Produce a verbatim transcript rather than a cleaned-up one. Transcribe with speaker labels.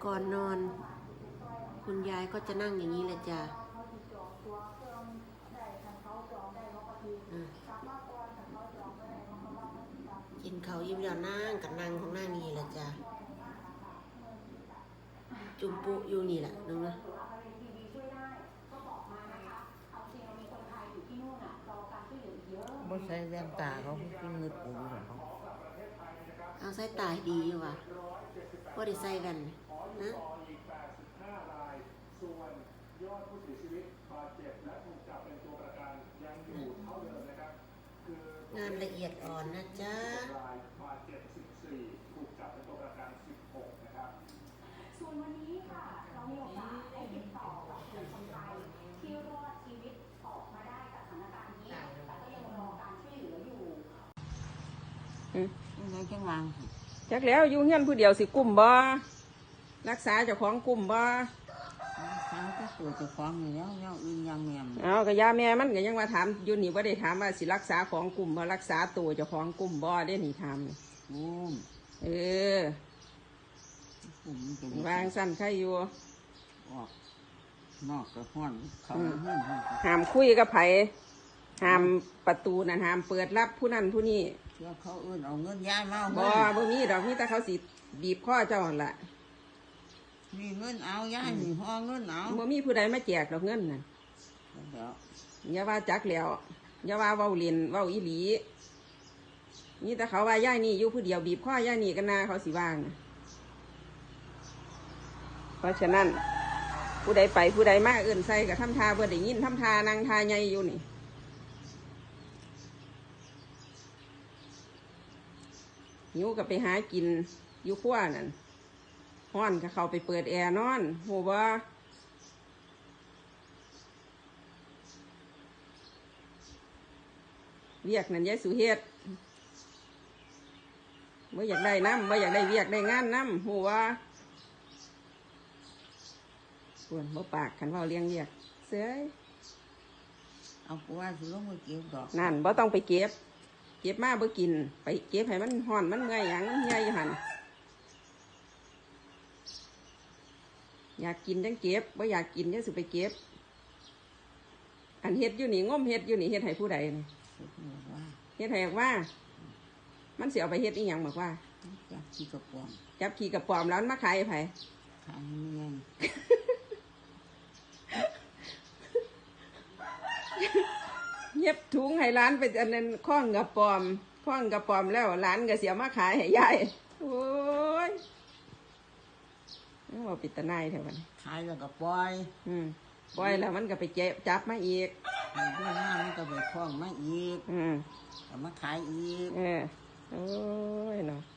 Speaker 1: ก่อนนอนคุณยายก็จะนั่งอย่างนี้แหละจ้ะกินเขายิ้มแล้วนั่งกับนั่งของนั่งนี่แหละจ้ะจุ่มปุอยู่นี่แหละนึงนะ
Speaker 2: บ่ใส่แว่นตาเขาเป็นเงือกปูหรอเขา
Speaker 1: เอาใส่ตาดีอยู่ว่ะว่าได้ใส่กันนะงานละเอียดอ่อนนะจ๊ะ
Speaker 3: ส่วนวันนี้ค่ะเรามีโอกาสได้ติดต่อกับคนไทยที่รอดชีวิตออกมาได้จากสถานการณ์นี้แต่ก็ยังรอการช่วยเหลืออยู่
Speaker 2: ยังไงจังหวะ
Speaker 4: จักแล้วอยู่เฮียนผู้เดียวสิกุ้มบ่รักษาเจ้าของกุ้มบ่
Speaker 2: ทางก็ตัวจะฟ้องอยู่แล้วแล้วอื่นยังแม่ม
Speaker 4: เอาก็ยาแม่มันก็ยังว่าถามอยู่นี่บ่ได้ถามว่าสิรักษาของกุ้มบ่รักษาตัวเจ้าของกุ้มบ่ได้นี่ถามนี่
Speaker 2: กุ้ม
Speaker 4: เออวางสั้นใครอยู่
Speaker 2: ออกนอกกระห้อนเขาเฮือน
Speaker 4: ห้ามคุยกับไผห้ามประตูนั่นห้ามเปิดรับผู้นั้นผู้นี้
Speaker 2: เชื่อเขาอื่นเอาเงินย้ายมา
Speaker 4: บ่บ่มีดอกมีแต่เขาสิบีบคอเจ้าหั่นล่ะ
Speaker 2: มีเงินเอาย้ายมีห้องเงินเอา
Speaker 4: บ่มีผู้ใดมาแจกดอกเงินน่ะอย่าว่าจักแล้วอย่าว่าเว้าเล่นเว้าอีหลีนี่แต่เขาว่าย่ายนี่อยู่ผู้เดียวบีบคอย่ายนี่กันนาเขาสิว่างเพราะฉะนั้นผู้ใดไปผู้ใดมาเอื่นใส่กับทำทาเพื่อได้ยินทำทานางทาใหญ่อยู่นี่หิวกับไปหากินอยู่ขั้วนั่นฮ้อนก็เข้าไปเปิดแอร์นอนโหว่าเวียกนั่นยายสุเฮ็ดเมื่ออยากได้น้ำเมื่ออยากได้เวียกได้งานน้ำโหว่าส่วนบ่ปากขันว่าเลี้ยงเวียกเสือ
Speaker 2: เอากูว่าสิลงมาเก็บดอก
Speaker 4: นั่นบ่ต้องไปเก็บเก็บมาบ่กินไปเก็บให้มันห่อนมันเงยอย่างมันใหญ่หันอยากกินจังเก็บบ่อยากกินจังสิไปเก็บอันเฮ็ดอยู่นี่ง้มเฮ็ดอยู่นี่เฮ็ดให้ผู้ใดนี่เฮ็ดให้ว่ามันสิเอาไปเฮ็ดอีหยังบอกว่า
Speaker 2: จับขี้กระป๋อม
Speaker 4: จับขี้กระป๋อมแล้วมันมาขายให้ไผ
Speaker 2: ขายให้เงิน
Speaker 4: เย็บถุงให้ร้านไปอันนั้นคล้องกระป๋อมคล้องกระป๋อมแล้วร้านก็เสียมาขายให้ยายโอ้ยว่าปิดตาหน้าเถอะวัน
Speaker 2: ขายแล้วก็ปล่อย
Speaker 4: อืมปล่อยแล้วมันก็ไปเจ็บจับมาอีก
Speaker 2: ด้วยหน้ามันก็ไปคล้องมาอีก
Speaker 4: อืม
Speaker 2: เอามาขายอีก
Speaker 4: เออโอ้ยเนาะ